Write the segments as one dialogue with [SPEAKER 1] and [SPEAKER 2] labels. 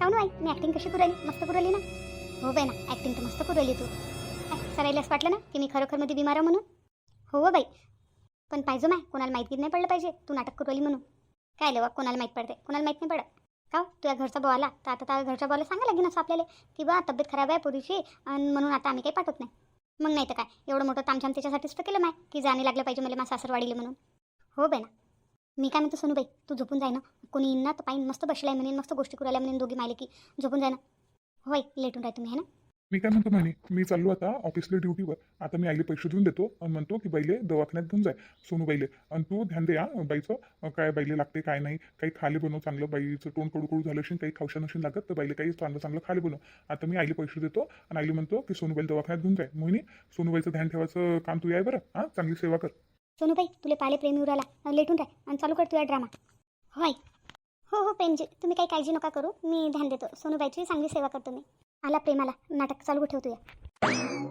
[SPEAKER 1] काऊन बाई मी ॲक्टिंग कशी करू राहिली? मस्त करू राहिली ना? हो बाई ना, ॲक्टिंग तर मस्त करू राहिली तू. काय सरायला असं वाटलं ना की मी खरोखर मध्ये बिमार आहे म्हणून? हो बाई, पण पाहिजे माय कोणाला माहिती नाही पडलं पाहिजे तू नाटक करू राहिली म्हणून. काय लेवा कोणाला माहीत पडते? कोणाला माहीत नाही पडत का हो? तुझ्या घरचा भाऊ आला तर आता त्या घरच्या भावाला सांगा लागेल असं आपल्याला की बा तब्येत खराब आहे पोरीची आणि म्हणून आता आम्ही काही पाठवत नाही. मग नाही तर काय, एवढं मोठं तामझाम त्याच्यासाठीच तर केलं माय की जाणे लागलं पाहिजे मला माझा सासरवाडीला म्हणून. हो बाई ना. मी काय म्हणतो सोनूबाई, तू झोपून जाय ना. कोणी येईन ना तर पाहिन मस्त बसलाय म्हणेन, मस्त गोष्टी करू राहिल्या म्हणेन दोघी मायले की. झोपून जाय ना. होय लेटून राह तुम्ही है ना.
[SPEAKER 2] मी काय म्हणतो म्हणे, मी चाललो आता ऑफिसला ड्युटीवर. आता मी आईले पैसे देऊन देतो आणि म्हणतो की बाईले दवाखान्यात घेऊन जाय सोनूबाईले. आणि तू ध्यान दे बाईचं काय बाईले लागते काय नाही. काही खाले बनव चांगलं, बाईचं तोंड कडू झालं असेल, काही खावशा नसेल लागत तर बाईले काही चांगलं चांगलं खाले बनव. आता मी आईले पैसे देतो आणि आईले म्हणतो की सोनूबाईला दवाखान्यात घेऊन जाय. मोहिनी, सोनूबाईचं ध्यान ठेवायचं काम तू आहे बरं. चांगली सेवा कर.
[SPEAKER 1] सोनूबाई तुले पाले प्रेमी उराला लेटून राह आणि चालू कर तुझा ड्रामा. होय हो हो प्रेमजी, तुम्ही काही काळजी नका करू, मी ध्यान देतो. सोनूबाईची चांगली सेवा करतो मी. आला प्रेमाला, नाटक चालू ठेवतो या.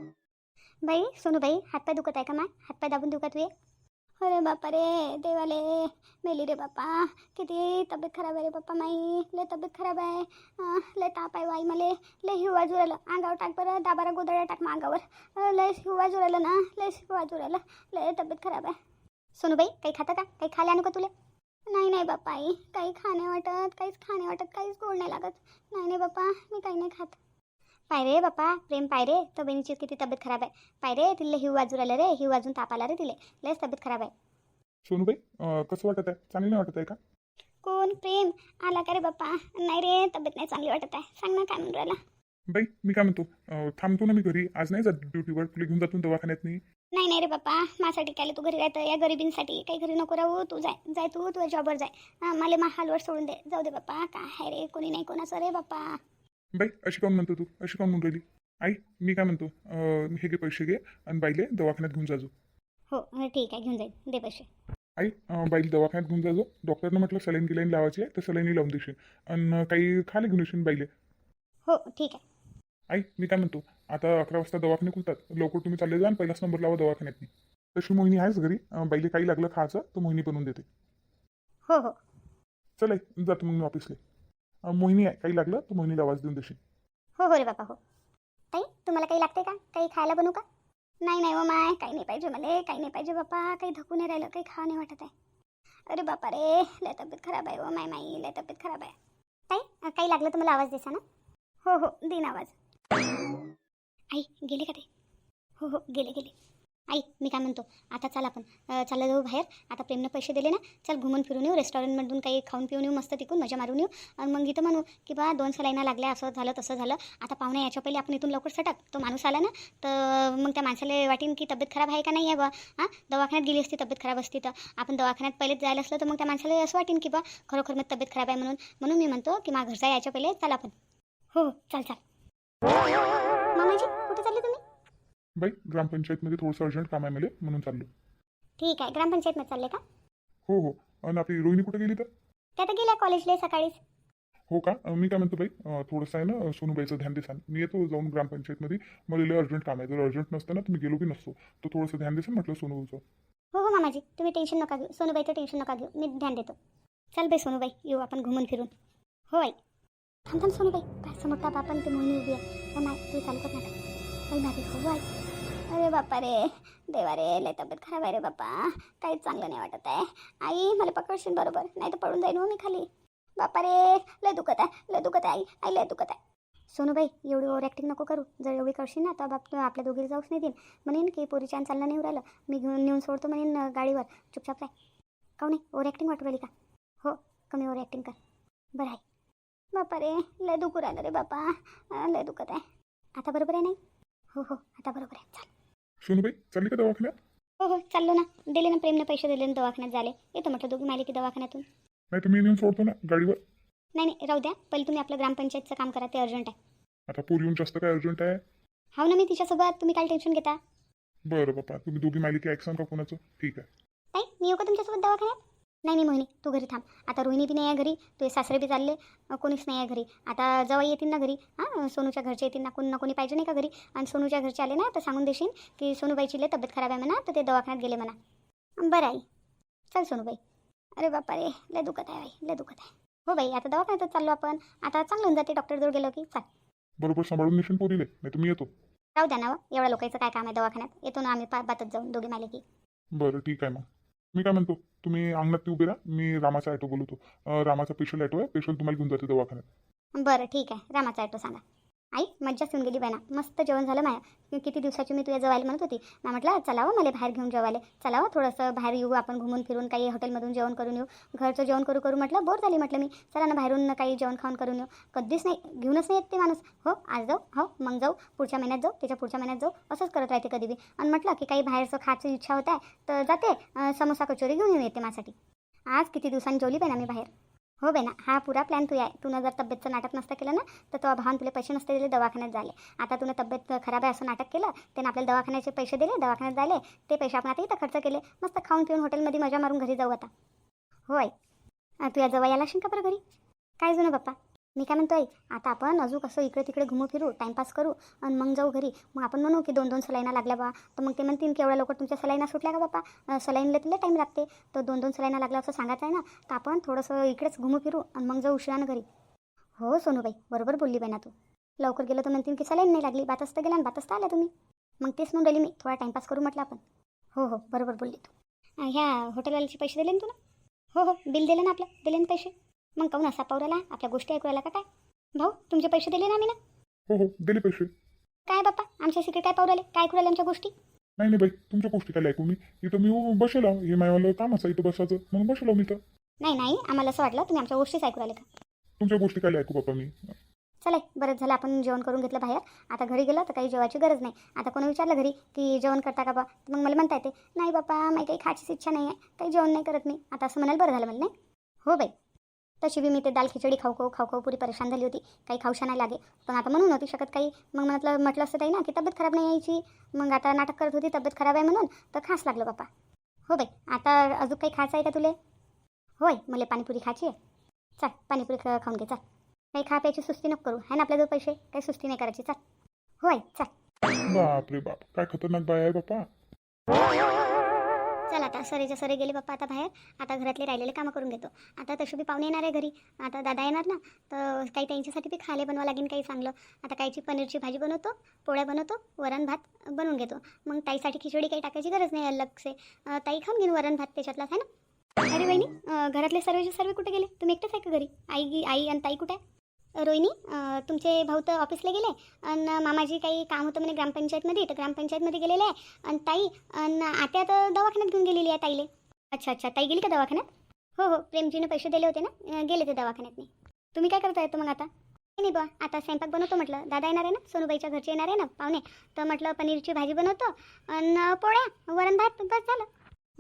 [SPEAKER 1] बाई सोनूबाई, हातपाय दुखत आहे का माय? हातपाय दाबून देऊ का तुझे? अरे बापा रे देवाले, मेली रे बापा. किती तब्येत खराब आहे रे बापा माई. लय तब्येत खराब आहे. लय ताप आहे वाई मले. लय हिवा जुरालं. अंगावर टाक बरं, दाबारा गोदड्या टाक मग अंगावर. लय हिवा जुरालं ना, लय हिवा जुरालं. लय तब्येत खराब आहे. सोनूबाई काही खातं का? काही खायला आणू का तुला? नाही नाही बाप्पा आई, काही खाणे वाटत, काहीच खाणे वाटत, काहीच गोड नाही लागत. नाही नाही बाप्पा, मी काही नाही खात. पाय रे बाप्पा प्रेम, पाय रे तर बहिणीची किती तब्येत खराब आहे. पाय रे तिला हिव वाजू राहिलं रे, हिव वाजून ताप आला रे तिले. लयच तब्येत खराब आहे.
[SPEAKER 2] सोनूबाई कसं वाटत आहे? चांगली नाही वाटत आहे का?
[SPEAKER 1] कोण प्रेम आला का रे बाप्पा? नाही रे तब्येत नाही चांगली वाटत आहे. सांग ना काय म्हणून राहिला.
[SPEAKER 2] बाई मी काय म्हणतो, थांबतो ना मी घरी. आज नाही जात ड्युटीवर, तुला घेऊन जातो दवाखान्यात मी.
[SPEAKER 1] नाही नाही रे बाप्पा, माझ्यासाठी काय तू घरी राहतं? या गरिबींसाठी काही घरी नको राहू. तू जाय जाय, तू तुझ्या जॉबवर जाय. मला हालवर सोडून दे. जाऊ दे बाप्पा, काय आहे रे, कोणी नाही कोणाचं रे बाप्पा.
[SPEAKER 2] बाई अशी काऊन म्हणतो तू? अशी काऊन म्हणून राहिली? आई मी काय म्हणतो, हे घे पैसे घे आणि बाईले दवाखान्यात घेऊन जाजो.
[SPEAKER 1] हो ठीक आहे, घेऊन जाईल. दे पैसे.
[SPEAKER 2] आई बाईला दवाखान्यात घेऊन जाजो. डॉक्टरनं म्हटलं सलाईन गिलाईन लावायची आहे तर सलाईन लावून देशील आणि काही खाले घेऊन येशील बाईले.
[SPEAKER 1] हो ठीक आहे.
[SPEAKER 2] आई मी काय म्हणतो, आता 11 वाजता दवाखाने खुलतात. लवकर तुम्ही चालले जा आणि पहिलाच नंबर लावा दवाखान्यात. तशी मोहिनी आहेच घरी. बाईले काही लागलं खायचं तर मोहिनी बनवून देते.
[SPEAKER 1] हो हो
[SPEAKER 2] चल आई जातो मग मी ऑफिसला. मोहिनी आहे, काही लागलं तर मोहिनीला आवाज देऊन देशील.
[SPEAKER 1] हो हो रे बापा हो. ताई तुम्हाला काही लागते का? काही खायला बनवू का? नाही नाही हो माय, काही नाही पाहिजे मला, काही नाही पाहिजे बापा. काही धकू नाही राहिलं, काही खावं नाही वाटत आहे. अरे बापा रे, लय तब्येत खराब आहे हो माय माई, लय तब्येत खराब आहे. ताई काही लागलं तर मला आवाज देसा ना. हो हो दिन आवाज. आई गेले का ते? हो हो गेले गेले. आई मी काय म्हणतो, आता चल आपण चालला जाऊ बाहेर. आता प्रेमनं पैसे दिले ना, चल घुमून फिरून येऊ. रेस्टॉरंटमधून काही खाऊन पिऊन येऊ, मस्त तिकून मजा मारून येऊ. आणि मग इथं म्हणू की बा 2 सलाईना लागल्या, असं झालं तसं झालं. आता पाहुणे याच्या पहिले आपण इथून लवकर सटक. तो माणूस आला ना तर मग त्या माणसाला वाटेन की तब्येत खराब आहे का नाही आहे बा. दवाखान्यात गेली असती, तब्येत खराब असती तर. आपण दवाखान्यात पहिलेच जायला असलं तर मग त्या माणसाला असं वाटेन की बा खरोखर मग तब्येत खराब आहे म्हणून. म्हणून मी म्हणतो की माझ्या घरचा याच्या पहिले चल आपण. हो चाल चाल. मामाजी कुठे चालले तुम्ही?
[SPEAKER 2] बाई ग्रामपंचायतमध्ये थोडंसं अर्जंट काम आहे मला, म्हणून चाललो.
[SPEAKER 1] ठीक आहे, ग्रामपंचायतमध्ये चालले का?
[SPEAKER 2] हो हो. आणि आपली रोहिणी कुठे गेली तर?
[SPEAKER 1] त्या तर गेल्या कॉलेजला सकाळीच.
[SPEAKER 2] हो का? मी काय म्हणतो बाई, थोडंसं आहे ना सोनूबाईचं ध्यान देसान. मी येतो जाऊन ग्रामपंचायतमध्ये. मला लय अर्जंट काम आहे. जर अर्जंट नसतं ना तर मी गेलो बी नसतो. तर थोडंसं ध्यान देसान म्हटलं सोनूचं.
[SPEAKER 1] हो हो मामाजी, तुम्ही टेन्शन नका घेऊ. सोनूबाईचं टेन्शन नका घेऊ, मी ध्यान देतो. चल बाई सोनूबाई, येऊ आपण घुमून फिरून. हो आई. थांब थांब सोनूबाई, काय समोरता बापन ते मोहिनी उभी आहे. हो माय तू चालू कर नाटक. बाई माझी हो आई. अरे बापा रे देवा रे, लय तब्येत खराब आहे रे बापा. काहीच चांगलं नाही वाटत आहे. आई मला पकडशील बरोबर, नाही तर पडून जाईन हो मी खाली. बापा रे लय दुखत आहे, लय दुखत आहे आई. आई लय दुखत आहे. सोनूबाई एवढी ओव्हर ॲक्टिंग नको करू. जर एवढी करशील ना तर बाप आपल्या दोघीला जाऊच नाही देईन. म्हणेन की पोरीच्यान चालणं नाही राहिलं, मी घेऊन नेऊन सोडतो म्हणेन गाडीवर. चुपचाप राह. काऊ नाही ओव्हर ॲक्टिंग वाटू राहिली का? हो कमी ओव्हर ॲक्टिंग कर. बरं आहे. बापा रे लय दुखू राहिलं रे बापा, लय दुखत आहे. आता बरोबर आहे नाही? हो हो आता बरोबर आहे. चाल
[SPEAKER 2] सोनूबाई चालली का दवाखान्यात?
[SPEAKER 1] हो हो चाललो ना. दिले ना प्रेमने पैसे, दिले ना दवाखान्यात झाले. येतो म्हटलं दोघी मालिकी दवाखान्यातून.
[SPEAKER 2] नाही तर मी नेऊन सोडतो ना गाडीवर.
[SPEAKER 1] नाही नाही राहू द्या, पहिले तुम्ही आपलं ग्रामपंचायतचं काम करा, ते अर्जंट आहे.
[SPEAKER 2] आता पोरी येऊन जास्त काय अर्जंट आहे?
[SPEAKER 1] हो ना मी तिच्यासोबत, तुम्ही काय टेन्शन घेता.
[SPEAKER 2] बरं बापा, तुम्ही दोघी मालिकी ऐकसान का कोणाचं? ठीक आहे.
[SPEAKER 1] ताई मी येऊ का तुमच्यासोबत दवाखान्यात? नाही नाही मोहिनी तू घरी थांब. आता रोहिणी बी नाही आहे घरी, तुझे सासरे बी चालले, कोणीच नाही आहे घरी. आता जवाई येतील ना घरी. सोनूच्या घरचे येतील ना कोणी पाहिजे नाही का घरी. आणि सोनूच्या घरचे आले ना तर सांगून देशील की सोनूबाईची लय तब्येत खराब आहे म्हणा, तर ते दवाखान्यात गेले म्हणा. बरं आई. चल सोनूबाई. अरे बापा रे लय दुखत आहे बाई, लय दुखत आहे. हो बाई, आता दवाखान्यातच चाललो आपण. आता चांगलं होऊन जाते डॉक्टरजवळ गेलो की. चाल.
[SPEAKER 2] बरोबर सांभाळून नेशील पोरीले, नाही तर मी येतो.
[SPEAKER 1] राहू द्या ना हो. एवढ्या लोकांचं काय काम आहे दवाखान्यात. येतो ना आम्ही बातच जाऊन दोघी माले की.
[SPEAKER 2] बरं ठीक आहे मग. मी काय म्हणतो, तुम्ही अंगणात उभे राहा, मी रामाचा ॲटो बोलवतो. रामाचा स्पेशल ॲटो आहे, स्पेशल तुम्हाला घेऊन जाते दवाखान्यात.
[SPEAKER 1] बरं ठीक आहे. रामाचा ॲटो सांगा. आई मज्जाच येऊन गेली बायना. मस्त जेवण झालं माया. किती दिवसाची मी तुझ्या जेवायला म्हणत होती ना, म्हटलं चला हो मला बाहेर घेऊन जेवायला. चला हो थोडंसं बाहेर येऊ आपण, घुमून फिरून काही हॉटेलमधून जेवण करून येऊ. घरचं जेवण करू करू म्हटलं बोर झाली म्हटलं मी. चला ना बाहेरून काही जेवण खाऊन करून येऊ. कधीच नाही, घेऊनच नाही येत ते माणूस. हो आज जाऊ, हो मग जाऊ, पुढच्या महिन्यात जाऊ, त्याच्या पुढच्या महिन्यात जाऊ, असंच करत राहते कधी बी. आणि म्हटलं की काही बाहेरचं खायची इच्छा होत आहे तर जाते, समोसा कचोरी घेऊन येऊन येते माझ्यासाठी. आज किती दिवसांनी जेवली बाई ना मी बाहेर. हो बेना, हा पुरा प्लॅन तू आहे. तू जर तब्येतचं नाटक नसतं केलं ना, तर तो भावान तुला पैसे नसते दिले दवाखान्यात झाले. आता तुला तब्येत खराब आहे असं नाटक केलं, त्यानं आपल्याला दवाखान्याचे पैसे दिले, दवाखान्यात झाले. ते पैसे आपण आता इथं खर्च केले. मस्त खाऊन पिऊन हॉटेलमध्ये मजा मारून घरी जाऊ आता. होय, तू या जवळ यायला असेल का बरं घरी? काय जुनं बाप्पा, मी काय म्हणतोय, आता आपण अजून कसं इकडे तिकडे घुमू फिरू, टाईमपास करू आणि मग जाऊ घरी. मग आपण म्हणू की 2-2 सलाईना लागल्या बा. तर मग ते म्हणतील की एवढ्या लवकर तुमच्या सलाईना सुटल्या का बाप्पा, सलाईनला तुला टाईम लागते. तर 2-2 सलाईना लागल्या असं सांगायचं आहे ना. तर आपण थोडंसं इकडेच घुमू फिरू आणि मग जाऊ उशिरानं घरी. हो सोनूबाई, बरोबर बोलली बाई ना तू. लवकर गेलं तर म्हणतील की सलाईन नाही लागली, बातच तर गेला आणि बातच तर आल्या तुम्ही. मग तेच म्हणून राहिली मी, थोडा टाईमपास करू म्हटलं आपण. हो हो बरोबर बोलली तू. ह्या हॉटेलवाल्याचे पैसे दिले ना तुला? हो हो, बिल दिलं ना आपलं, दिले ना पैसे. मग काहून असा पावराला, आपल्या गोष्टी ऐकू राहिला का काय? भाऊ तुमचे पैसे दिले ना आम्ही ना.
[SPEAKER 2] हो हो दिले पैसे.
[SPEAKER 1] काय बाप्पा आमच्या सिक्रेट काय पावराले, काय ऐकू राहिले आमच्या गोष्टी?
[SPEAKER 2] नाही नाही बाई, तुमच्या गोष्टी काय ऐकू मी. इथं मी बसेल आहो, हे मायवालं कामच आहे इथं बसायचं, म्हणून बसेल आहो मी तर.
[SPEAKER 1] नाही नाही, आम्हाला असं वाटलं तुम्ही आमच्या गोष्टीच ऐकू राहिले का.
[SPEAKER 2] तुमच्या गोष्टी काय ऐकू बाप्पा मी.
[SPEAKER 1] चला बरंच झालं आपण जेवण करून घेतलं बाहेर. आता घरी गेलं तर काही जेवायची गरज नाही. आता कोणी विचारलं घरी की जेवण करता का बा, मग मला म्हणता येते नाही बाप्पा मला काही खायचीच इच्छा नाही आहे, काही जेवण नाही करत मी. आता असं म्हणाल बरं झालं मला. नाही हो बाई, तशी बी मी ते दाल खिचडी खाऊ खाऊ पुरी परेशान झाली होती. काही खाऊशा नाही लागे, पण आता म्हणून नव्हती शकत काही. मग म्हटलं असतं ताई ना की तब्येत खराब नाही यायची. मग आता नाटक करत होती तब्येत खराब आहे म्हणून, तर खास लागलं बाप्पा. हो बाई, आता अजून काही खायचं आहे का तुले? होय मला पाणीपुरी खायची आहे. चल पाणीपुरी खाऊन घे चल. काही खा प्यायची सुस्ती नको करू, आहे ना आपल्याजवळ पैसे, काही सुस्ती नाही करायची. चल होय चल.
[SPEAKER 2] बाप रे बाप, काय खतरनाक बाय आहे बाप्पा.
[SPEAKER 1] चल आता सरेच्या सरे गेले बाप्पा आता बाहेर. आता घरातले राहिलेले कामं करून घेतो. आता तशी बी पाहुणे येणार आहे घरी. आता दादा येणार ना, तर काही त्यांच्यासाठी बी खायला बनवा लागेल काही चांगलं. आता कायची पनीरची भाजी बनवतो, पोळ्या बनवतो, वरण भात बनवून घेतो. मग ताईसाठी खिचडी काही टाकायची गरज नाही अलग से. ताई खाऊन घेईन वरण भात त्याच्यातलाच आहे ना. अरे वहिनी, घरातले सर्वचे सर्व कुठे गेले? तुम्ही एकटेच आहे का घरी? आई आणि ताई कुठे आहे? रोहिणी, तुमचे भाऊ तर ऑफिसला गेले आणि मामाजी काही काम होतं म्हणे ग्रामपंचायतमध्ये, तर ग्रामपंचायतमध्ये गेलेले आहे. आणि ताई आणि आत्या तर दवाखान्यात घेऊन गेलेली आहे ताईले. अच्छा अच्छा, ताई गेली का दवाखान्यात? हो हो, प्रेमजीने पैसे दिले होते ना, गेले ते दवाखान्यात. नाही तुम्ही काय करता येतं मग आता? नाही बा, आता स्वयंपाक बनवतो म्हटलं. दादा येणार आहे ना, सोनूबाईच्या घरचे येणार आहे ना पाहुणे, तर म्हटलं पनीरची भाजी बनवतो आणि पोळ्या वरण भात बस झालं.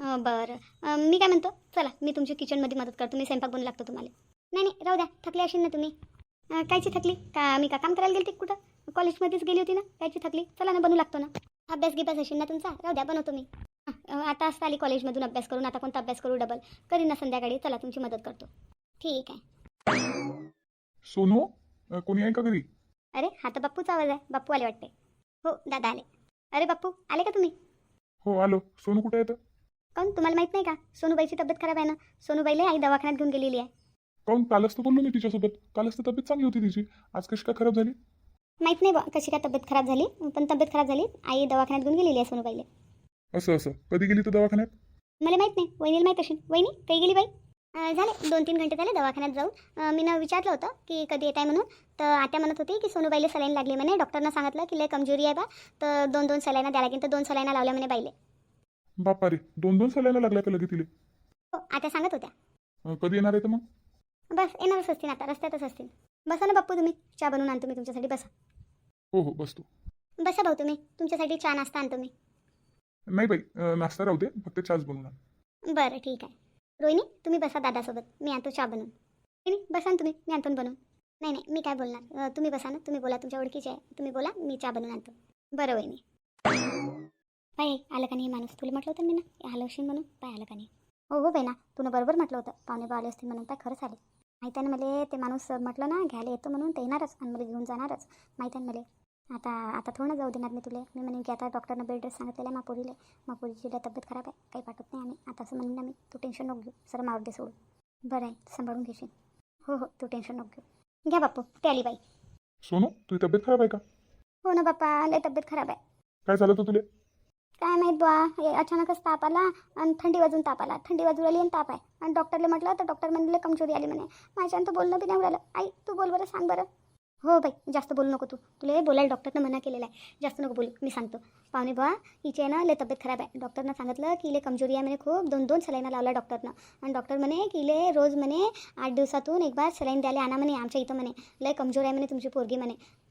[SPEAKER 1] बरं, मी काय म्हणतो, चला मी तुमची किचनमध्ये मदत करतो. मी स्वयंपाक बनवू लागतो तुम्हाला. नाही नाही राहू द्या, थकले असेल ना तुम्ही. कायची थकली का? मी का काम करायला गेली कुठं? कॉलेजमध्येच गेली होती ना, कायची थकली? चला ना बनवू लागतो ना. अभ्यास गिभ्यास असेल ना तुमचा, राहू द्या बनवतो मी. आता असं आली कॉलेजमधून अभ्यास करून, आता कोणता अभ्यास करू डबल करीन ना संध्याकाळी. चला तुमची मदत करतो. ठीक आहे.
[SPEAKER 2] सोनू, कोणी आहे का घरी?
[SPEAKER 1] अरे हा तर बाप्पूचा आवाज आहे. बाप्पू आले वाटते. हो दादा आले. अरे बाप्पू आले का तुम्ही?
[SPEAKER 2] हो आलो. सोनू कुठे येतं?
[SPEAKER 1] काऊन तुम्हाला माहीत नाही का? सोनूबाईची तब्येत खराब आहे ना. सोनूबाईला आई दवाखान्यात घेऊन गेलेली आहे.
[SPEAKER 2] काहून, कालच तर बोललो मी तिच्यासोबत. कालच तर तब्येत चांगली होती तिची, आज कशी काय खराब झाली?
[SPEAKER 1] माहीत नाही बा कशी काय तब्येत खराब झाली, पण तब्येत खराब झाली. आई दवाखान्यात घेऊन गेलेली आहे सोनूबाईला.
[SPEAKER 2] असं असं, कधी गेली तर दवाखान्यात?
[SPEAKER 1] मला माहीत नाही, वहिनीला माहीत असेल. वहिनी काही गेली बाई? झाले 2-3 घंटे झाले दवाखान्यात जाऊन. मी विचारलं होतं की कधी येत आहे म्हणून, तर आत्या म्हणत होती की सोनूबाईला सलाईन लागली म्हणे. डॉक्टरनं सांगितलं की लय कमजोरी आहे बा, तर 2-2 सलाईना द्या लागेल. तर 2 सलाईना लावल्या म्हणे बाईले.
[SPEAKER 2] बापा रे, 2-2 सलाईना लागल्या का लगे तिले?
[SPEAKER 1] हो आत्या सांगत होत्या.
[SPEAKER 2] कधी येणार आहे तर मग?
[SPEAKER 1] बस येणारच असतील आता, रस्त्यातच असतील. बसा ना बाप्पू, तुम्ही चहा बनवून आणतो मी तुमच्यासाठी. बसा.
[SPEAKER 2] हो हो बसतो.
[SPEAKER 1] बसा भाऊ, तुम्ही तुमच्यासाठी चहा नाश्ता आणतो मी.
[SPEAKER 2] नाही बाई, नाश्ता राहू दे, फक्त चहाच बनवून आण.
[SPEAKER 1] बरं ठीक आहे. रोहिणी तुम्ही बसा दादासोबत, मी आणतो चहा बनवून. रोहिणी बसा ना तुम्ही, मी आणतो बनवून. नाही नाही मी काय बोलणार, तुम्ही बसा ना, तुम्ही बोला, तुमच्या ओळखीचे आहे, तुम्ही बोला, मी चहा बनवून आणतो. बरं वहिनी. बाई आलं का नाही माणूस? तुला म्हटलं होतं मी ना आलं असेल म्हणून. पाय आलं का नाही? हो हो बाई ना, तुला बरोबर म्हटलं होतं पाहुणे आले असतील म्हणून. पाय खरंच आले. माहीत आहे ना मला, ते माणूस म्हटलं ना घ्यायला येतो म्हणून, ते येणारच आणि मला घेऊन जाणारच. माहीत आहे ना मला. आता आता थोडं ना जाऊ देणार मी तुला. मी म्हणेन की आता डॉक्टरनं बेड रेस्ट सांगितलेलं आहे मापोरीला. मापोरीची तब्येत खराब आहे, काही पाठवत नाही आम्ही. आता असं म्हणून ना मी, तू टेन्शन नको घेऊ, सर मारू दे सोडून. बरं आहे, सांभाळून घेशील. हो हो तू टेन्शन नको घेऊ. घ्या बापू ते आली बाई.
[SPEAKER 2] सोनू तुझी तब्येत खराब आहे का?
[SPEAKER 1] हो ना बाप्पा लय तब्येत खराब आहे.
[SPEAKER 2] काय झालं तर तुले?
[SPEAKER 1] काय माहीत बुवा हे अचानकच ताप आला आणि थंडी वाजून ताप आला. थंडी वाजून आली आणि ताप आहे. आणि डॉक्टरला म्हटलं तर डॉक्टर म्हणले कमजोरी आली म्हणे. माझ्यानं तर बोलणं बी नाही उडालं. आई तू बोल बरं सांग बरं. हो बाई जास्त बोलू नको तू. तुला बोलायला डॉक्टरनं मना केलेला आहे. जास्त नको बोलू मी सांगतो. पाहुणे बुवा हिची आहे ना लय तब्येत खराब आहे. डॉक्टरनं सांगितलं की इले कमजोरी आहे म्हणे खूप. 2-2 सलाईना लावला डॉक्टरनं. आणि डॉक्टर म्हणे की इले रोज म्हणे 8 दिवसातून एक बार सलाईन द्यायला आणा म्हणे आमच्या इथं म्हणे. लय कमजोर आहे म्हणे तुमची पोरगी म्हणे.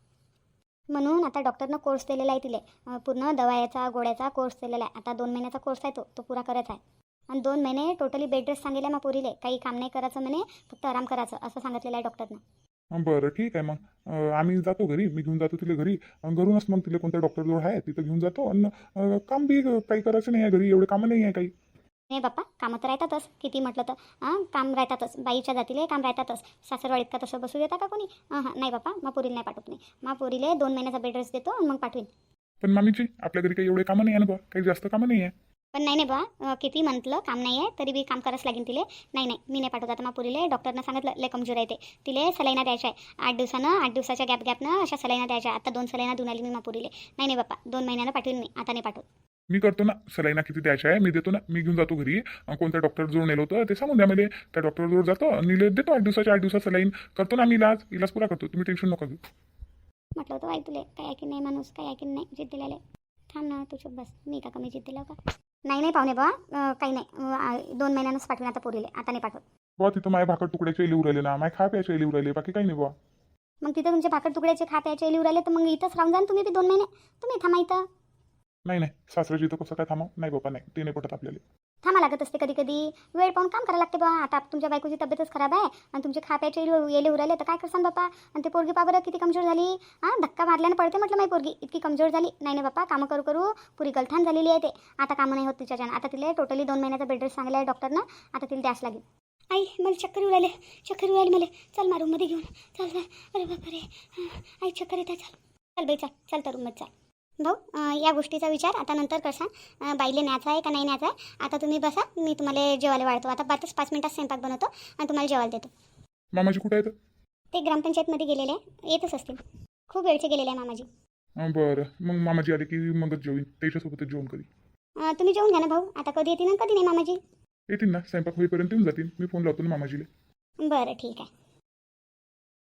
[SPEAKER 1] म्हणून आता डॉक्टरनं कोर्स दिलेला आहे तिले. पूर्ण दवायाचा गोळ्याचा कोर्स दिलेला आहे. आता 2 महिन्याचा कोर्स आहे तो पुरा करायचा आहे. आणि 2 महिने टोटली बेड रेस्ट सांगितलं आहे मग पोरीले. काही काम नाही करायचं म्हणे फक्त आराम करायचं असं सांगितलेलं आहे डॉक्टरनं.
[SPEAKER 2] बरं ठीक आहे मग आम्ही जातो घरी. मी घेऊन जातो तिला घरी. घरूनच मग तिला कोणत्या डॉक्टरजवळ आहे तिथं घेऊन जातो. आणि काम बी काही करायचं नाही आहे घरी. एवढे कामं नाही आहे काही.
[SPEAKER 1] नाही बाप्पा कामं तर राहतातच किती म्हटलं तर. काम राहतातच बाईच्या जातीले काम राहतातच. सासरवाडीत का तसं बसू देता का कोणी? नाही बाप्पा मग पोरीला नाही पाठवत नाही. मग पोरीले 2 महिन्याचा बेड रेस्ट देतो आणि मग पाठवीन.
[SPEAKER 2] पण मामीची आपल्या घरी काही एवढे कामं नाही आहे ना बा. काही जास्त कामं नाही आहे.
[SPEAKER 1] पण नाही बा किती म्हटलं काम नाही आहे तरी बी काम करावंच लागेल तिले. नाही मी नाही पाठवत आता. मग पोरीले डॉक्टरनं सांगितलं लय कमजोर आहे ते. तिले सलाईना द्यायच्या आहे 8 दिवसानं 8 दिवसाच्या गॅपनं अशा सलाईना द्यायच्या. आता 2 सलाईना देऊन आली मी मग पोरीले. नाही बाप्पा 2 महिन्यानं पाठवीन मी. आता नाही पाठवत.
[SPEAKER 2] मी करतो ना सलाईना किती द्यायच्या आहे मी देतो ना. मी घेऊन जातो घरी. कोणत्या डॉक्टरजवळ नेलं होतं ते सांगून द्या मला. त्या डॉक्टरजवळ जातो आणि देतो 8 दिवसात सलाईन. करतो ना मी इलाज पुरा करतो. तुम्ही टेन्शन नका घेऊ.
[SPEAKER 1] म्हटलं होतं बाई तुले काय ऐकीन नाही माणूस काय ऐकीन नाही जिद्द दिलेले. थांब ना तू चुप बस. मी का कमी जिद्द दिला का? नाही पाहुणे बा काही नाही 2 महिन्यानंच पाठवीन आता पोरीले. आता नाही पाठवत.
[SPEAKER 2] बुवा तिथं माझ्या भाकर तुकड्याचे लिहू राहिले ना. माझ्या खा प्यायचे लिहू राहिले. बाकी काही नाही बुवा.
[SPEAKER 1] मग तिथं तुमचे भाकर तुकड्याचे खा प्यायचे लिहू राहिले तर मग इथंच राहून जा ना तुम्ही बी 2 महिने. तुम्ही थांबा इथं.
[SPEAKER 2] नाही सासऱ्याची इथं कसं काय थांबव. नाही बाबा नाही ते नाही पटत आपल्याला.
[SPEAKER 1] थांबा लागत असते कधी कधी. वेळ पाहून काम करायला लागते बा. आता तुमच्या बायकोची तब्येतच खराब आहे आणि तुमचे खा प्यायचे येले उराले तर काय करसान बापा. आणि ते पोरगी पा बरं किती कमजोर झाली. धक्का मारल्यानं पडते म्हटलं माझी पोरगी इतकी कमजोर झाली. नाही बापा कामं करू करू पुरी गलथान झालेली आहे ते. आता कामं नाही होत तिच्याच्यानं. आता तिला टोटली 2 महिन्याचा बेड रेस्ट सांगितलं आहे डॉक्टरनं. आता तिला द्यास लागेल. आई मला चक्कर उरायली मला. चल मा रूममध्ये घेऊन चल. अरे बापा रे आई चक्कर येते. चल बाई चल तर रूममध्ये चल. भाऊ या गोष्टीचा विचार आता नंतर करसा. बाईले न्यायचा आहे का नाही न्यायचा आहे. आता तुम्ही बसा मी तुम्हाला जेवायला वाढतो. आता 5 मिनिटात स्वयंपाक बनवतो आणि तुम्हाला जेवायला देतो.
[SPEAKER 2] मामाजी कुठे आहेत?
[SPEAKER 1] ते ग्रामपंचायतमध्ये गेलेले आहे. येतच असतील. खूप वेळचे गेलेले आहे मामाजी.
[SPEAKER 2] बरं मग मामाजी आले की मगच जेवीन. त्याच्यासोबतच जेवण करी.
[SPEAKER 1] तुम्ही जेवून घ्या ना भाऊ. आता कधी येतील ना कधी नाही मामाजी.
[SPEAKER 2] येतील ना स्वयंपाक होईपर्यंत येऊन जातील. मी फोन लावतो ना मामाजीला.
[SPEAKER 1] बरं ठीक आहे.